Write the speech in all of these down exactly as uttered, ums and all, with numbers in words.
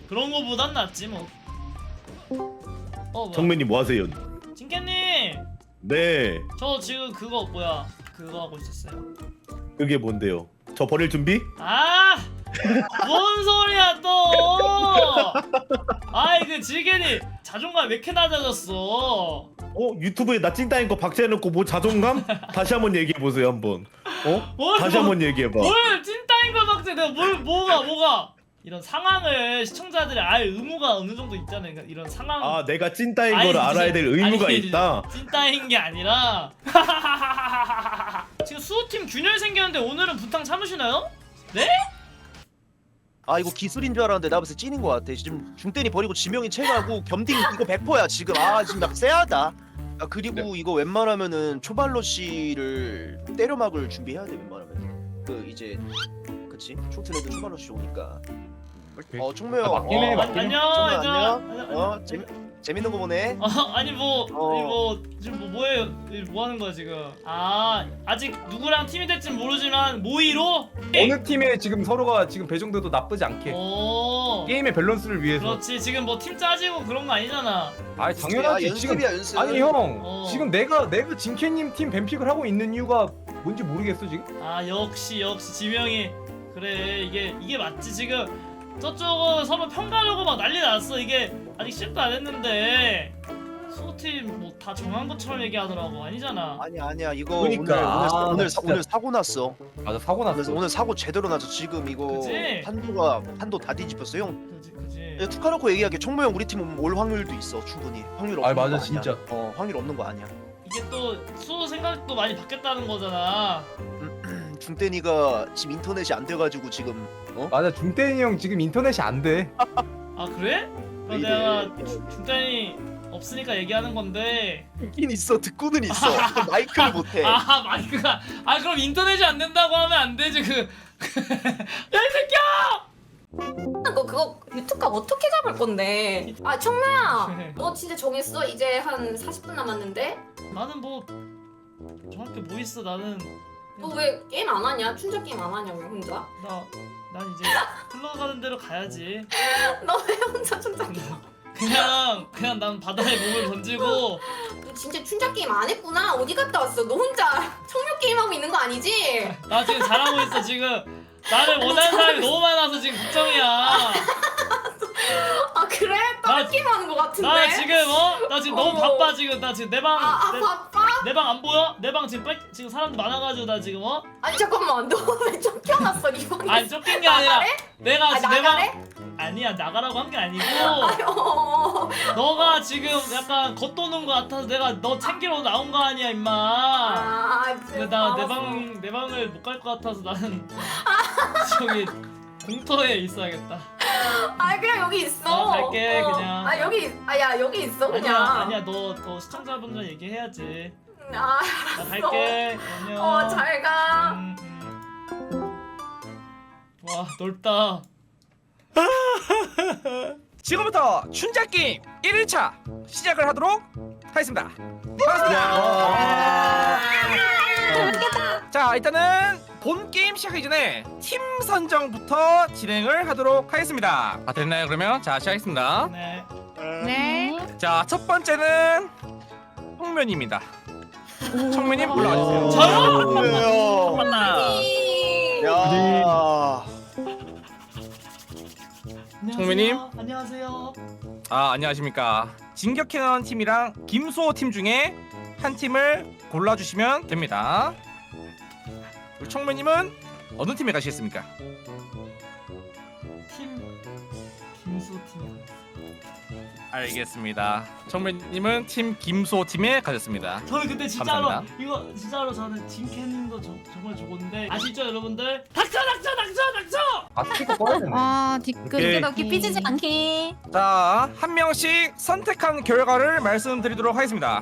그런 거보단 낫지 뭐. 어, 정맨님 뭐 하세요? 찐캐님, 네. 저 지금 그거 뭐야? 그거 하고 있었어요. 그게 뭔데요? 저 버릴 준비? 아, 뭔 소리야 또? 아이 그 지겐이 자존감 왜 이렇게 낮아졌어? 어? 유튜브에 나 찐따인 거 박제해놓고 뭐 자존감? 다시 한번 얘기해보세요 한번. 어? 뭘, 다시 뭐, 한번 얘기해봐. 뭘 찐따인 걸 박제? 내가 뭘 뭐가 뭐가? 이런 상황을 시청자들이 알 의무가 어느 정도 있잖아요. 그러니까 이런 상황. 아 내가 찐따인 아니, 걸 알아야 될 의무가 아니, 있다? 찐따인 게 아니라 지금 수호팀 균열 생겼는데 오늘은 부탕 참으시나요? 네? 아 이거 기술인 줄 알았는데 나 벌써 찐인 것 같아. 지금 중대니 버리고 지명이 채가고 겸딩 이거 백 퍼센트야 지금. 아 지금 나 쎄하다. 아 그리고 이거 웬만하면은 초발로시를 때려막을 준비해야 돼 웬만하면. 그 이제 그치 초트레드 초발로시 오니까. 어 총무형. 아, 맞긴 해, 어, 맞긴 해. 안녕 정말 얘들아. 안녕. 어 재미 재밌는 거 보네. 어, 아니 뭐, 어. 아니 뭐 지금 뭐 뭐예요? 뭐 하는 거야 지금? 아 아직 누구랑 팀이 될진 모르지만 모의로? 어느 팀에 지금 서로가 지금 배정돼도 나쁘지 않게 오. 게임의 밸런스를 위해서. 그렇지 지금 뭐 팀 짜지고 그런 거 아니잖아. 아 당연하지. 지금 연습이야 연습. 아니 형 어. 지금 내가 내가 진캐님 팀 뱀픽을 하고 있는 이유가 뭔지 모르겠어 지금. 아 역시 역시 지명이 그래 이게 이게 맞지 지금. 저쪽은 서로 평가하려고 막 난리 났어. 이게 아직 시작도 안 했는데 수호팀 뭐 다 정한 것처럼 얘기하더라고. 아니잖아. 아니야 아니야 이거 그러니까. 오늘 오늘, 아, 사- 오늘, 사- 진짜. 오늘 사고 났어. 맞아 사고 그래서 났어. 오늘 사고 제대로 나서 지금 이거 그치? 판도가 판도 다 뒤집혔어 형. 그지 그지. 툭 까놓고 얘기하게 총무형 우리 팀은 올 확률도 있어 충분히. 확률 없는 아, 맞아, 거 아니야. 진짜. 어 확률 없는 거 아니야. 이게 또 수호 생각도 많이 바뀌었다는 거잖아. 중대니가 지금 인터넷이 안 돼가지고 지금 어? 맞아 중대니 형 지금 인터넷이 안 돼. 아 그래? 그럼 왜 이래? 내가 중- 중단이 없으니까 얘기하는 건데. 있긴 있어 듣고는 있어. 마이크를 못해. 아 마이크가. 아 그럼 인터넷이 안 된다고 하면 안 되지 그. 야 이 새끼야! 너 그거 유튜브값 어떻게 잡을 건데? 아 청라야, 너 진짜 정했어? 이제 한 사십 분 남았는데? 나는 뭐 정확히 뭐 있어 나는. 너 왜 게임 안 하냐? 춘자 게임 안 하냐고 혼자? 나, 난 이제 흘러가는 대로 가야지. 너 왜 혼자 춘자 게임? 그냥 그냥 난 바다에 몸을 던지고. 너 진짜 춘자 게임 안 했구나? 어디 갔다 왔어? 너 혼자 청력 게임 하고 있는 거 아니지? 나 지금 잘하고 있어 지금. 나를 원하는 사람이 너무 많아서 지금 걱정이야. 아 그래? 다른 나- 게임 하는 거 같은데? 나 지금 어? 나 지금 너무 어머. 바빠 지금. 나 지금 내 방. 아, 아 내, 바빠? 내 방 안 보여? 내 방 지금 빽 지금 사람들 많아가지고 나 지금 어? 아니 잠깐만, 너 왜 쫓겨났어 이 방에? 아니 쫓긴 게 아니라 나가래? 내가 아 지금 내 나가래? 방 아니야 나가라고 한 게 아니고 어, 너가 지금 약간 겉도는 거 같아서 내가 너 챙기러 나온 거 아니야 임마. 아, 근데 나 내 방 내 방을 못 갈 것 같아서 나는 저기 공터에 있어야겠다. 아 그냥 여기 있어. 어, 갈게, 그냥. 아 여기, 아야 여기 있어 그냥. 아니야 아니야 너 너 시청자분들 얘기해야지. 아 나 갈게. 안녕. 어, 잘 가. 음, 음. 와 넓다. 지금부터 춘자게임 일 일차 시작을 하도록 하겠습니다. 야. 반갑습니다. 자 일단은 본 게임 시작하기 전에 팀 선정부터 진행을 하도록 하겠습니다. 다 됐나요 그러면? 자 시작하겠습니다. 네. 네. 자 첫 번째는 청면입니다. 청면님 올라와주세요. 저요? 뭐예요? 하나. 야. 청민님? 안녕하세요. 아 안녕하십니까. 진격해나온 팀이랑 김수호 팀 중에 한 팀을 골라주시면 됩니다. 우리 청매님은 어느 팀에 가시겠습니까? 팀 김수 팀. 알겠습니다. 청매님은 팀 김수호 팀에 가셨습니다. 저는 근데 진짜로 감사합니다. 이거 진짜로 저는 진캐님도 저, 정말 좋은데 아시죠 여러분들? 닥쳐 닥쳐 닥쳐 닥쳐! 아 스피커 꺼야 되네. 와 뒷글 오케이. 이렇게 삐지지 않게. 자, 한 명씩 선택한 결과를 말씀드리도록 하겠습니다.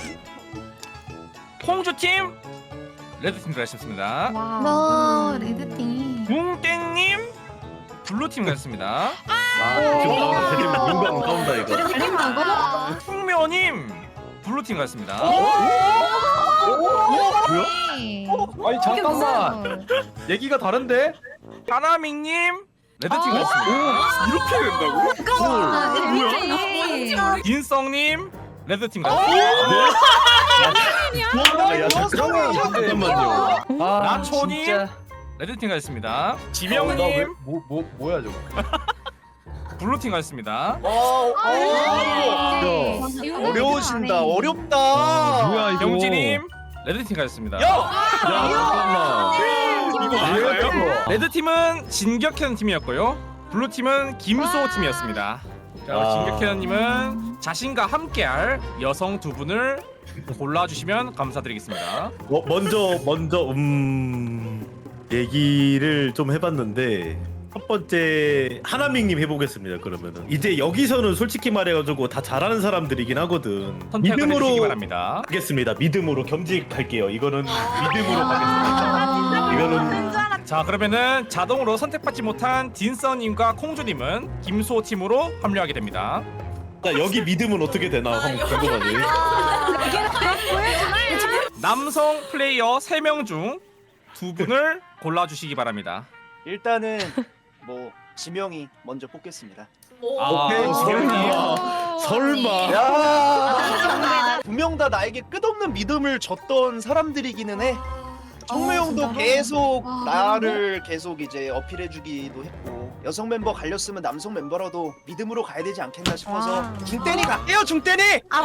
홍주 팀, 레드 팀 가셨습니다. 와 레드팀. 붕땡님, 블루 팀 가셨습니다. 아, 지금 나 지금 눈광 까운다 이거. 레드팀하고. 풍묘님, 블루 팀 가셨습니다. 뭐야? 아니 잠깐만 얘기가 다른데? 하나밍님, 레드팀 같습니다. 이렇게 된다고? 아, 뭐야? 딘성님 레드팀 어? 같습니다. 야, 야 잠깐만 잠깐만요. 아, 나초님 진짜. 레드팀 같습니다. 어, 나 왜- 지명님 뭐, 뭐, 뭐야 저거? 블루팀 같습니다. 어, 어. 어려우신다. 어렵다. 뭐야 이거? 영진님 레드팀 같습니다. 야! 야 잠깐만. 이거 맞아요? 레드팀은 진격현 팀이었고요. 블루팀은 김수호 팀이었습니다. 자, 아. 진격현님은 자신과 함께할 여성 두 분을 골라주시면 감사드리겠습니다. 어, 먼저 먼저 음 얘기를 좀 해봤는데 첫 번째 하나밍님 해보겠습니다. 그러면은 이제 여기서는 솔직히 말해가지고 다 잘하는 사람들이긴 하거든. 선택을 해주시기 믿음으로 바랍니다. 하겠습니다. 믿음으로 겸직할게요. 이거는 믿음으로 가겠습니다. 이거는 자, 그러면은 자동으로 선택받지 못한 딘서님과 콩주님은 김수호 팀으로 합류하게 됩니다. 자, 여기 믿음은 어떻게 되나 한번 궁금하네. 남성 플레이어 세 명 중 두 분을 골라주시기 바랍니다. 일단은 뭐 지명이 먼저 뽑겠습니다. 아, 오케이, 설마 설마. 야! 두 명 다 나에게 끝없는 믿음을 줬던 사람들이기는 해. 청매 형도 진짜로? 계속 와, 나를 계속 이제 어필해주기도 했고 여성 멤버 갈렸으면 남성 멤버라도 믿음으로 가야 되지 않겠나 싶어서 와. 중대니 갈게요 중대니. 아,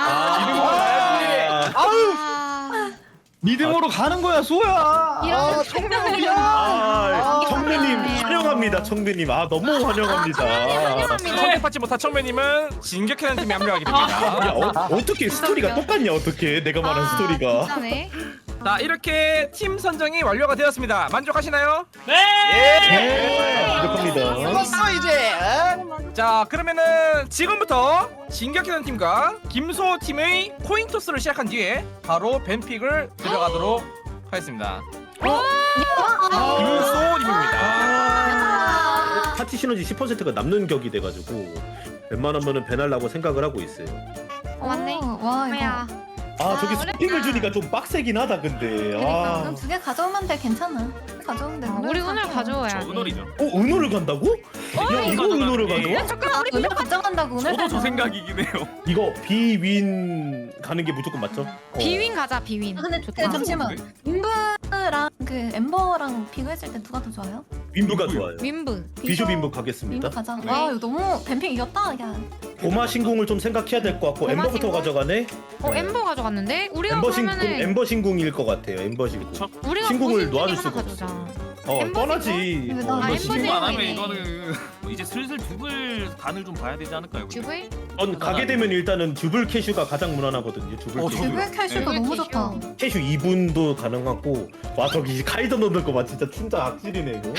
아, 아우 믿음으로 가는 거야 소야. 아 청매 형이야. 아, 아, 청매님 아, 환영합니다. 청매님 아 너무 환영합니다. 선택받지 못한 청매님은 진격현 팀에 합류하게 야 됩니다. 어, 어떻게 스토리가 똑같냐 어떻게 내가 말한 스토리가. 진짜네. 자, 이렇게 팀 선정이 완료가 되었습니다. 만족하시나요? 네. 네, 만족합니다. 죽었어 이제. 어? 자, 그러면은 지금부터 진격현 팀과 김소호 팀의 코인 토스를 시작한 뒤에 바로 뱀픽을 들어가도록 하겠습니다. 김소호님입니다. 아, 파티 시너지 십 퍼센트가 남는 격이 돼가지고 웬만하면은 배날라고 생각을 하고 있어요. 어, 맞네. 와 이거. 아 저기 스핑을 주니까 좀 빡세긴 하다 근데. 그러니까 아. 그럼 두 개 가져오면 돼 괜찮아. 가져오면 돼. 우리 오늘 가져와야 저 돼. 은월이죠. 어 은호를 간다고? 야 이거 은호를 가져와? 아, 오늘 가져간다고 오늘. 저도 저 생각이긴 해요. 이거 비윈 가는 게 무조건 맞죠? 어. 비윈 가자 비윈. 아, 근데 좋다. 잠시만. 윈브랑 그 엠버랑 비교했을 때 누가 더 좋아요? 윈브가 좋아요. 윈브. 비숍 윈브 윈브 가겠습니다. 가자. 네. 와 이거 너무 뱀픽 이겼다. 야. 고마 신궁을 좀 생각해야 될 것 같고 고마 엠버부터 신궁? 가져가네. 어 엠버 가져갔는데 우리가 엠버 신궁 그러면은 엠버 신궁일 것 같아요. 엠버 신궁. 저- 우리가 신궁을 보신 놓아줄 중에 수가 하나 가져오자. 어 엠버 떠나지. 신궁? 어, 아, 엠버 엠버 신궁. 신고 안 하면 신궁이네. 이거는 뭐 이제 슬슬 두글 간을 좀 봐야 되지 않을까요? 근데? 듀블? 전 가게 되면 일단은 듀블 캐슈가 가장 무난하거든요. 듀블 어, 캐슈. 저도요. 듀블 캐슈도 듀블 너무 캐슈. 좋다. 캐슈 이 분도 가능하고 와 저기 카이저 넣는 거 봐 진짜 춘자 악질이네 이거.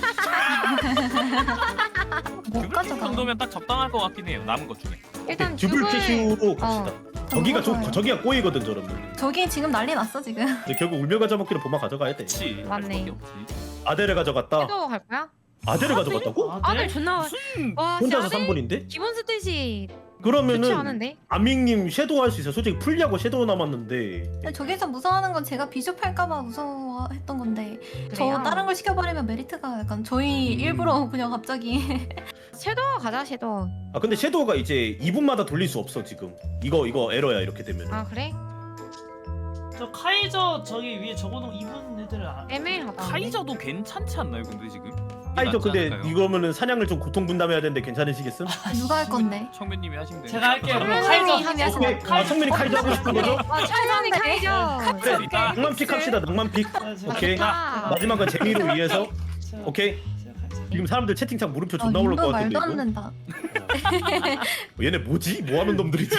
못 두글 가져가. 정도면 딱 적당할 것 같긴 해요. 남은 것 중에. 일단 듀블 듀블. 캐슈로 갑시다. 저기가 저, 좋아요. 저기가 꼬이거든 저러면. 저기 지금 난리 났어 지금. 이제 결국 울며 가져먹기로 보마 가져가야 돼. 그렇지. 맞네. 아델을 가져갔다. 섀도우 갈 거야? 아델을 가져갔다고? 아, 아들 네? 존나. 와 혼자서 아들 삼 번인데? 기본 스탯이 좋지 그러면은 않은데? 아밍님 섀도우 할 수 있어. 솔직히 풀리하고 섀도우 남았는데. 근데 저기서 무서워하는 건 제가 비숍 할까봐 무서워했던 건데 저 그래요? 다른 걸 시켜버리면 메리트가 약간 저희 음. 일부러 그냥 갑자기 섀도우 가자 섀도우. 아 근데 섀도우가 이제 이 분마다 돌릴 수 없어 지금. 이거 이거 에러야 이렇게 되면. 아 그래? 저 카이저 저기 위에 적어놓은 이분 애들 아, 애매하다. 카이저도 괜찮지 않나요? 근데 지금? 이게 아니죠. 낫지 근데 않을까요? 이거면은 사냥을 좀 고통 분담해야 되는데 괜찮으시겠음? 누가 할 건데? 청배님이 하시면 돼요. 제가 할게요. 그럼 청맨이 카이저 하면 하고. 오케이. 아 성민이 카이저 하고 싶은 거죠? 와 찰정이 카이저. 그래. 그러니까. 낭만픽 합시다. 낭만픽. 오케이. 좋다. 마지막은 재미를 위해서. 제가- 오케이. 제가 카이저. 지금 사람들 채팅창 물음표 아, 존나 올릴 인부 것 같은데 말도 안 이거. 된다. 어, 얘네 뭐지? 뭐 하는 놈들이지?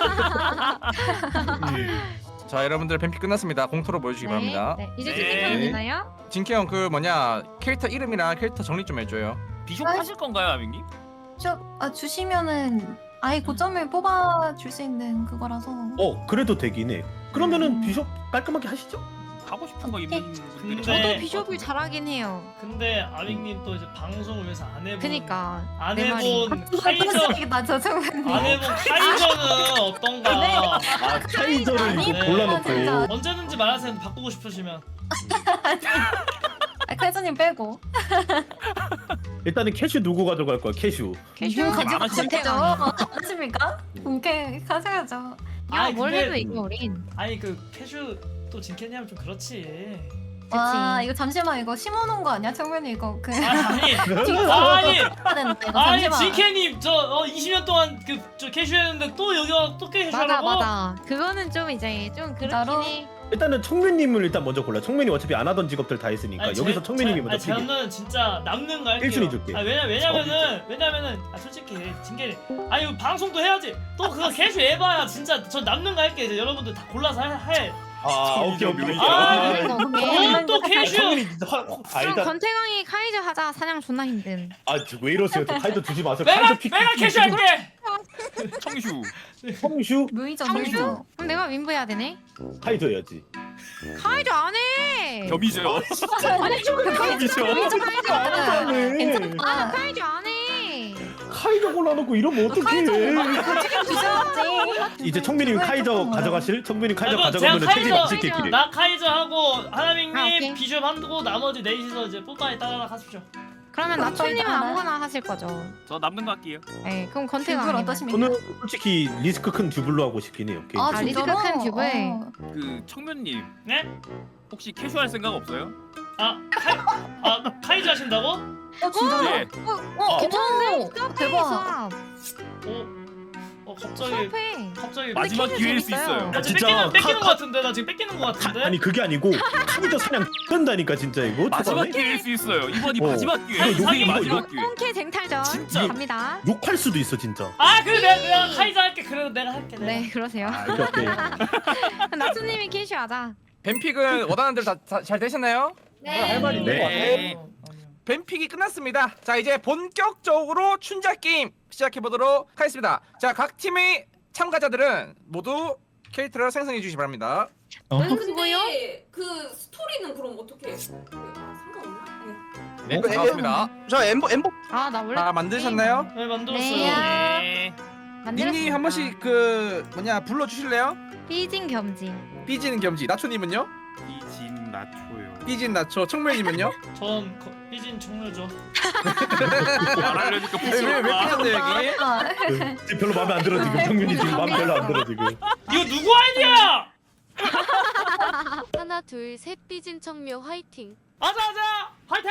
자, 여러분들 뱀픽 끝났습니다. 공토로 보여주시기 바랍니다. 네, 네. 이제 네. 채팅하면 되나요? 진케형 그 뭐냐 캐릭터 이름이랑 캐릭터 정리 좀 해줘요. 비숍 하실 건가요, 아밍님? 저 아, 주시면은 아예 고점을 뽑아 줄 수 있는 그거라서. 어 그래도 되긴 해. 그러면은 음. 비숍 깔끔하게 하시죠? 하고 싶은 거 있는 분들이 근데- 저도 네. 비숍을 잘하긴 해요. 근데 아밍님 또 이제 방송을 위해서 안 해본. 그니까 안 내 말이. 해본 카이저. 나 저정은. 안 해본 카이저는 어떤가. 아 카이저를 이거 네. 골라놓고. 진짜. 언제든지 말하세요. 바꾸고 싶으시면. 아, 칼자님 빼고. 일단은 캐슈 누구 가져갈 거야? 캐슈. 캐슈 이거 가지고 많으시죠? 가야죠. 안녕하십니까? 본캐 가져야죠. 야, 뭘 근데- 해도 이거 우린. 아니 그 캐슈 또 진캐냐면 좀 그렇지. 와, 이거 잠시만 이거 심어놓은 거 아니야? 청면이 이거 그. 아니 아니 아니, 이거 아니 잠시만. 진캐님 저 어, 이십 년 동안 그 저 캐슈였는데 또 여기 와서 또 맞아 캐슈하라고? 맞아. 그거는 좀 이제 좀 진짜로? 그렇긴 해. 일단은 청면님을 일단 먼저 골라. 청면이 어차피 안 하던 직업들 다 했으니까 아니, 여기서 제- 청면님이 제- 먼저 아니, 피게. 저는 진짜 남는 거 할게요. 일 순위 줄게. 아, 왜냐 왜냐면은 왜냐면은 아 솔직히 진캐 아니 이거 방송도 해야지. 또 그거 캐슈 해봐야 진짜 저 남는 거 할게. 이제 여러분들 다 골라서 할. 할. 아 오케이 오케이. 아, 그런 거 없네. 그건 또 캐슈. 청면이 진짜 화. 아 그럼 일단 권태광이 카이저 하자. 사냥 존나 힘든. 아왜 이러세요? 또 카이도 주지 마세요. 내가 카이도 픽. 내가 캐슈 할게. 청슈. 청슈 무이죠, 청주? 무이죠. 그럼 내가 윈부 해야 되네. 카이도 해야지. 카이저 안 해. 겸이죠. 아니 좀 무이죠. 무이죠, 카이죠. 네. 괜찮다. 카이저 안 해. 카이도 골라놓고 이러면 어떡해? 주셔야지. 이제 청민님 카이저 가져가실? 청민님 카이저 아이고, 가져가면 제가 책임 카이저- 안 지킬게. 나 카이저 하고 하나밍님 아, 오케이. 비숍 한두고 나머지 넷이서 이제 뽀빠이 따라 하십시오. 그러면 나 나초님은 저희 나는- 아무거나 하실 거죠. 저 남는 거 할게요. 네, 그럼 듀블 권태광. 어떠십니까? 저는 솔직히 리스크 큰 듀블로 하고 싶긴 해요. 개인적으로. 아, 리스크 큰 듀블. 어. 그 청면님 네? 혹시 캐슈할 생각 없어요? 아 카이 아 카이저 하신다고? 어, 진짜로? 예. 어, 괜찮은데? 괜찮은데? 대박. 어? 어 갑자기 수업해. 갑자기 마지막 캐슈 기회일 수 재밌어요. 있어요. 나 지금 진짜 뺏기는 뺏기는 카- 거 같은데 나 지금 뺏기는 거 같은데. 아니 그게 아니고 카이저 사냥 끈다니까 진짜 이거 마지막 초반에 기회일 수 있어요. 이번이 어. 마지막 기회. 아니, 이번이 이거- 마지막 기회. 홈캐 쟁탈전 진짜. 갑니다. 욕할 수도 있어 진짜. 아 그래 내가, 내가 카이저 할게. 그래도 내가 할게. 내가. 네, 그러세요. 오케이 오케이. 나초님이 캐슈 하자. 뱀픽은 원하는 대로 다 잘 되셨나요? 할 말이 있는 네. 것 같아. 아니요, 아니요. 뱀픽이 끝났습니다. 자 이제 본격적으로 춘자 게임 시작해 보도록 하겠습니다. 자 각 팀의 참가자들은 모두 캐릭터를 생성해 주시기 바랍니다. 아니 뭐요? 근데 그 스토리는 그럼 어떻게? 그, 아, 상관없나? 네. 네, 어, 반갑습니다. 자 엠버 엠버 아, 나 원래 다 만드셨나요? 네 만들었어요. 네. 네. 만들었습니다. 닉님 한 번씩 그 뭐냐 불러 주실래요? 삐진 겸지. 삐지는 겸지. 나초님은요? 이진 나초요. 삐진 나초. 청멜님은요? 전 거, 삐진 총류죠. 말하려니까 왜왜 삐졌네 여기? 아, 그, 지금 별로 마음에 안 들어 지금. 청민이 지금 마음 별로 안 들어 지금. 이거 누구 아이디야? 하나 둘 셋 삐진 청묘 화이팅. 아자아자 화이팅!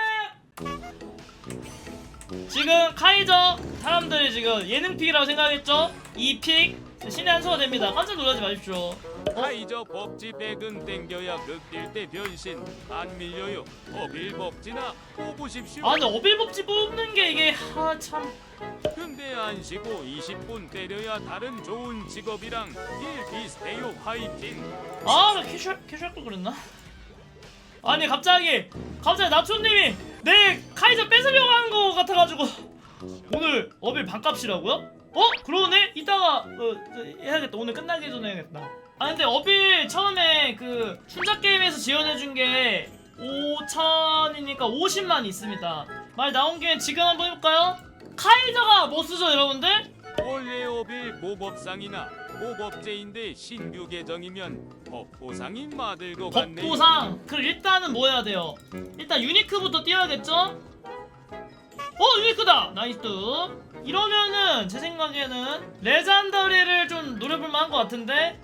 지금 카이저 사람들이 지금 예능픽이라고 생각했죠? 이 픽 신의 한 수가 됩니다. 깜짝 놀라지 마십시오. 카이저 법지 백은 땡겨야 극딜 때 변신 안 밀려요. 어빌 법지나 뽑으십시오. 아 근데 어빌법지 뽑는 게 이게 하참 근데 안 쉬고 이십 분 때려야 다른 좋은 직업이랑 일 비슷해요. 화이팅. 아, 나 캐슈 캐슈할 걸 그랬나? 아니 갑자기 갑자기 나초님이 내 카이저 뺏으려고 하는 거 같아가지고 오늘 어빌 반값이라고요? 어? 그러네? 이따가 어, 해야겠다. 오늘 끝나기 전에 해야겠다. 아 근데 어빌 처음에 그 춘자 게임에서 지원해준 게 오천이니까 오십만 있습니다. 말 나온 김에 지금 한번 해볼까요? 카이저가 뭐 쓰죠 여러분들? 원래 어빌 모법상이나 모법제인데 신규 계정이면 법보상이 마들고 갔네요. 법보상. 그럼 일단은 뭐 해야 돼요? 일단 유니크부터 띄워야겠죠? 어 유니크다! 나이스. 이러면은 제 생각에는 레전더리를 좀 노려볼 만한 것 같은데.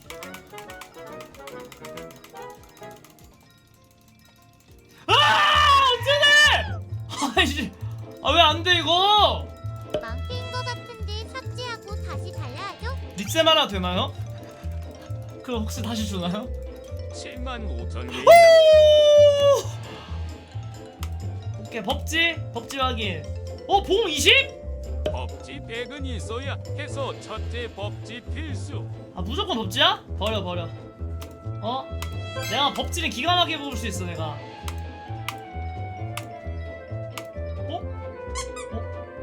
아 어쩌네! 아이씨 아 왜 안 돼 이거? 망친 거 같은데 삭제하고 다시 달라야죠. 닉셈 하나 되나요? 그럼 혹시 다시 주나요? 칠만 오천 개. 오케이 법지 법지 확인. 어 봉 이십? 법지 백은 있어야 해서 첫째 법지 필수. 아 무조건 법지야? 버려 버려. 어? 내가 법지는 기가 막히게 뽑을 수 있어 내가. 어? 어?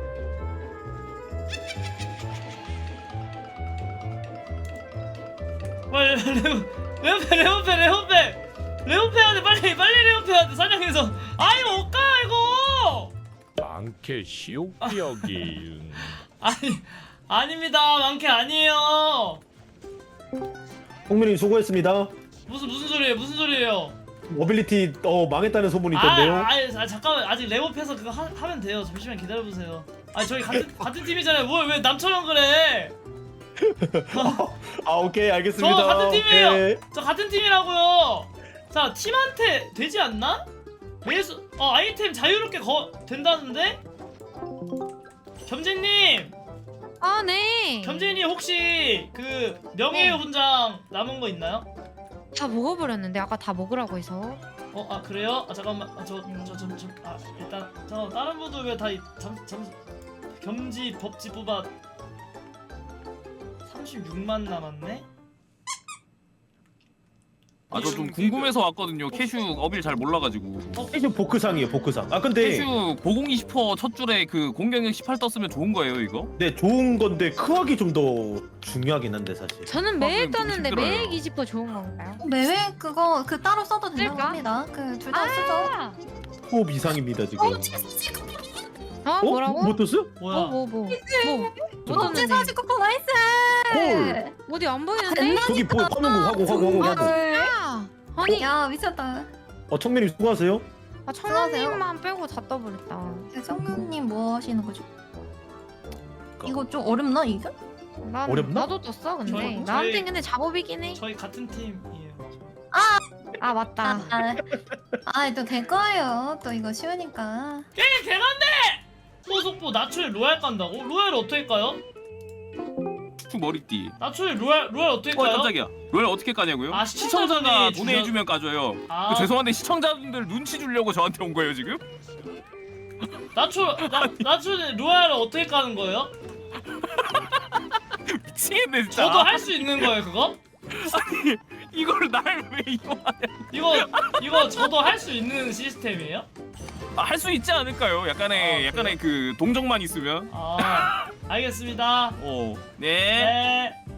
빨리 레오페 레오페 레오페 레오페 해야 돼. 빨리 빨리 레오페 해야 돼. 사냥해서. 아 이거 못 가 이거. 많게 시옥기억이. 아니 아닙니다. 많게 아니에요. 홍민님 수고했습니다. 무슨 무슨 소리예요? 무슨 소리예요? 모빌리티 어 망했다는 소문이 아, 있던데요. 아, 아 잠깐만 아직 랩업해서 그거 하, 하면 돼요. 잠시만 기다려 보세요. 아 저희 같은 같은 팀이잖아요. 뭘 왜 남처럼 그래? 아 오케이 알겠습니다. 저 같은 팀이에요. 오케이. 저 같은 팀이라고요. 자 팀한테 되지 않나? 매수 어 아이템 자유롭게 거 된다는데? 겸재님, 아 네. 겸재님 혹시 그 명예의 훈장 남은 거 있나요? 다 먹어버렸는데 아까 다 먹으라고 해서. 어 아 그래요? 아 잠깐만 아, 저 저 저 저 아 일단 잠깐 다른 분들 왜다잠잠 겸지 법지 뽑아 삼십육만 남았네? 아 저 좀 궁금해서 왔거든요. 캐슈 어빌 잘 몰라가지고. 캐슈 보크상이에요 보크상. 아 근데 캐슈 고공이십 퍼센트 첫 줄에 그 공격력 십팔 떴으면 좋은 거예요 이거? 네 좋은 건데 크학이 좀 더 중요하긴 한데 사실. 저는 아, 매일 그럼 떴는데 힘들어요. 매일 이십 퍼센트 좋은 건가요? 매회 그거 그 따로 써도 된다고 쓸까? 합니다. 그 둘 다 쓰죠. 아, 호흡 이상입니다 지금. 어 어? 뭐라고? 뭐 떴어요? 뭐야? 뭐 뭐 뭐? 뭐? 뭐 번째 떴는데? 사지 쿠폰 나이스. 헐. 어디 안 보이는데? 됐나? 저기 보 화면공 하고 하고 하고 하고. 아, 아니 야 미쳤다. 어 청맨님 수고하세요. 아 청년님만 빼고 다 떠버렸다. 성룡님 뭐 하시는 거죠? 이거 좀 어렵나 이게? 난 어렵나? 나도 떴어 근데 저희- 나한텐 저희- 근데 작업이긴 해. 저희 같은 팀이에요. 아 맞다. 아또 될 거예요. 또 이거 쉬우니까. 게 개간데! 소속보 나초에 로얄 깐다고? 로얄 어떻게 까요? 추 머리띠. 나초에 로얄 로얄 어떻게 어 까요? 깜짝이야. 롤 어떻게 까냐고요? 아, 시청자가 시청자분이 돈을 주셔- 해주면 까줘요. 아. 그 죄송한데 시청자분들 눈치 주려고 저한테 온 거예요 지금? 나초 나 나초에 로얄을 어떻게 까는 거예요? 미치겠네 진짜. 저도 할 수 있는 거예요 그거? 이걸 날 왜 이용하냐? 이거 이거 저도 할 수 있는 시스템이에요? 아, 할 수 있지 않을까요? 약간의 아, 약간의 그 동정만 있으면. 아 알겠습니다. 어. 네. 네.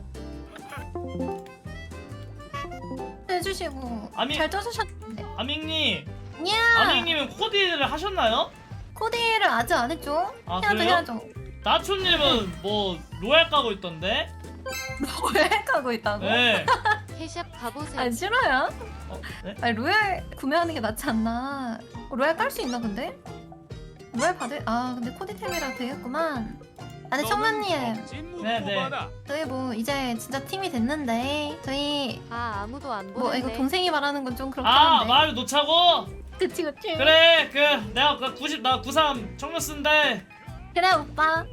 해주시고 아미- 잘 떠주셨는데. 아밍님, 야 아밍님은 코디를 하셨나요? 코디를 아직 안 했죠? 아, 해야죠 그래요? 해야죠. 나초님은 뭐 로얄 까고 있던데? 왜 하고 있다고? 네. 캐샵 가보세요. 아 싫어요? 어, 네? 아니 로얄 구매하는 게 낫지 않나? 어, 로얄 깔 수 있나 근데? 로얄 받을 아 근데 코디템이라 되겠구만. 아 근데 청만님 네, 네. 저희 뭐 이제 진짜 팀이 됐는데 저희 아 아무도 안 뭐 이거 보는데. 동생이 말하는 건 좀 그렇긴 아 한데. 말을 놓자고? 그치 그치. 그래 그 내가 그 구십 나 구삼 청년 쓴데 그래 오빠.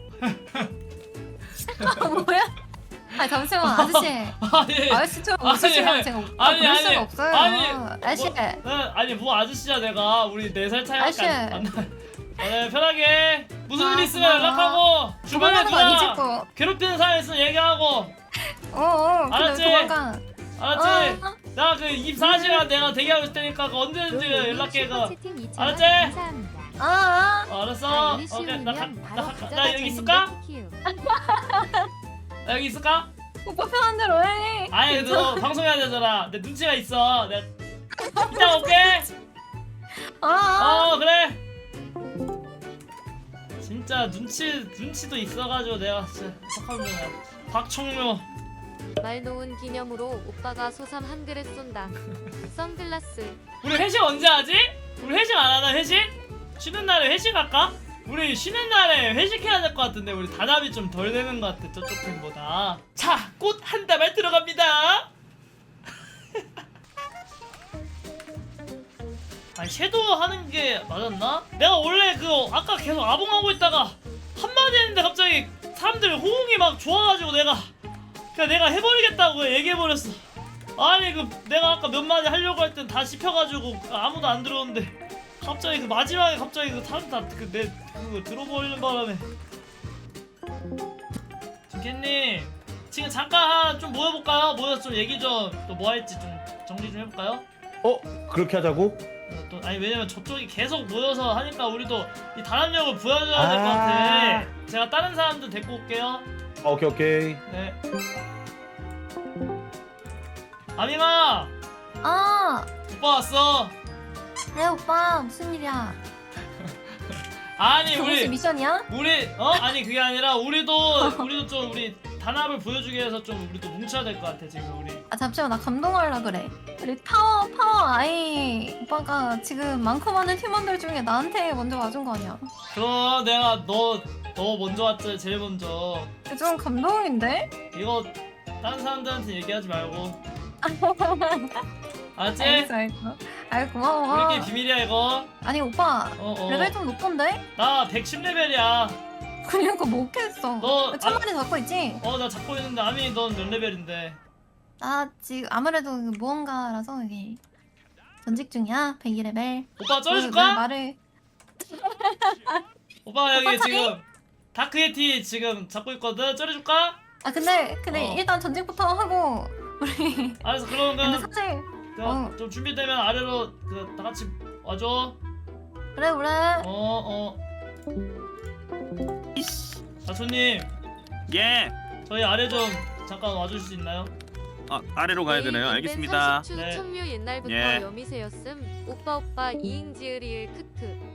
아 뭐야? 아 잠시만 아저씨. 아니 아저씨처럼 아니, 웃으시면 제가 오빠 아니, 그럴 아니, 수가 없어요. 아니, 아저씨. 뭐, 네, 아니 뭐 아저씨야 내가 우리 네 살 차이밖에 아저씨. 안, 안 나. 어, 네 편하게 무슨 아, 일 있으면 고마워. 연락하고 주변에 도망가는 거 아니지 누가 또. 괴롭히는 사람 있으면 얘기하고 어어. 알았지? 그래 도망가. 알았지? 어. 나 그 이십사 시간 내가 대기하고 있을 테니까 그 언제든지 연락해 그 알았지? 아, 아. 어, 알았어 오케이 나, 가, 나, 가, 나 여기 있을까? 나 여기 있을까? 오빠 편한 대로 해. 아니 근데 너 방송해야 되잖아 내 눈치가 있어 내가 이따 올게 아, 아. 어 그래 진짜 눈치 눈치도 있어가지고 내가 진짜 착한 놈이야 박청묘 말 놓은 기념으로 오빠가 소삼 한 그릇 쏜다. 선글라스. 우리 회식 언제 하지? 우리 회식 안 하나 회식? 쉬는 날에 회식 할까? 우리 쉬는 날에 회식해야 될 것 같은데 우리 단합이 좀 덜 되는 것 같아 저쪽 팀보다 자 꽃 한 다발 들어갑니다 아니 섀도우 하는 게 맞았나? 내가 원래 그 아까 계속 아봉하고 있다가 한마디 했는데 갑자기 사람들 호응이 막 좋아가지고 내가 그냥 내가 해버리겠다고 얘기해버렸어 아니 그 내가 아까 몇 마디 하려고 할 땐 다 씹혀가지고 아무도 안 들어오는데 갑자기 그 마지막에 갑자기 그 사람 다그내 그거 들어버리는 바람에 진캐님 지금 잠깐 좀 모여볼까요? 모여서 좀 얘기 좀 또 뭐 할지 좀 정리 좀 해볼까요? 어 그렇게 하자고? 어, 또 아니 왜냐면 저쪽이 계속 모여서 하니까 우리도 이 단합력을 보여줘야 될 것 아. 같아 제가 다른 사람들 데리고 올게요 아, 오케이 오케이. 네 아미마 아. 오빠 왔어 그래 오빠 무슨 일이야? 아니 무슨 우리 미션이야? 우리 어 아니 그게 아니라 우리도 우리도 좀 우리 단합을 보여주기 위해서 좀 우리 또 뭉쳐야 될 것 같아 지금 우리. 아 잠시만 나 감동하려 그래. 우리 파워 파워 아이 오빠가 지금 많고 많은 팀원들 중에 나한테 먼저 와준 거 아니야? 그럼 내가 너 너 먼저 왔지 제일 먼저. 좀 감동인데? 이거 다른 사람들한테 얘기하지 말고. 알았지? 알겠어 알겠어. 아이 고마워. 우리끼리 비밀이야 이거. 아니 오빠 어 어. 레벨 좀 높던데? 나 백십 레벨이야. 그러니까 못 했어. 너 천 마리 잡고 있지? 어 나 잡고 있는데 아미 넌 몇 레벨인데? 나 지금 아무래도 그 무언가라서 이게 전직 중이야. 백이 레벨. 오빠 쩔어줄까? 말을 오빠가 여기 오빠 차례? 지금 다크예티 지금 잡고 있거든. 쩔어줄까? 아 근데 근데 어. 일단 전직부터 하고 우리 알았어 그러면 근데 사실 그, 어. 좀 준비되면 아래로 그 다 같이 와줘. 그래 그래. 어 어. 자초님 예. 저희 아래 좀 잠깐 와주실 수 있나요? 아 아래로 가야 되나요? 알겠습니다. 초 네. 청류 옛날부터 예. 여미새였음. 오빠 오빠 이응지으리을 크크.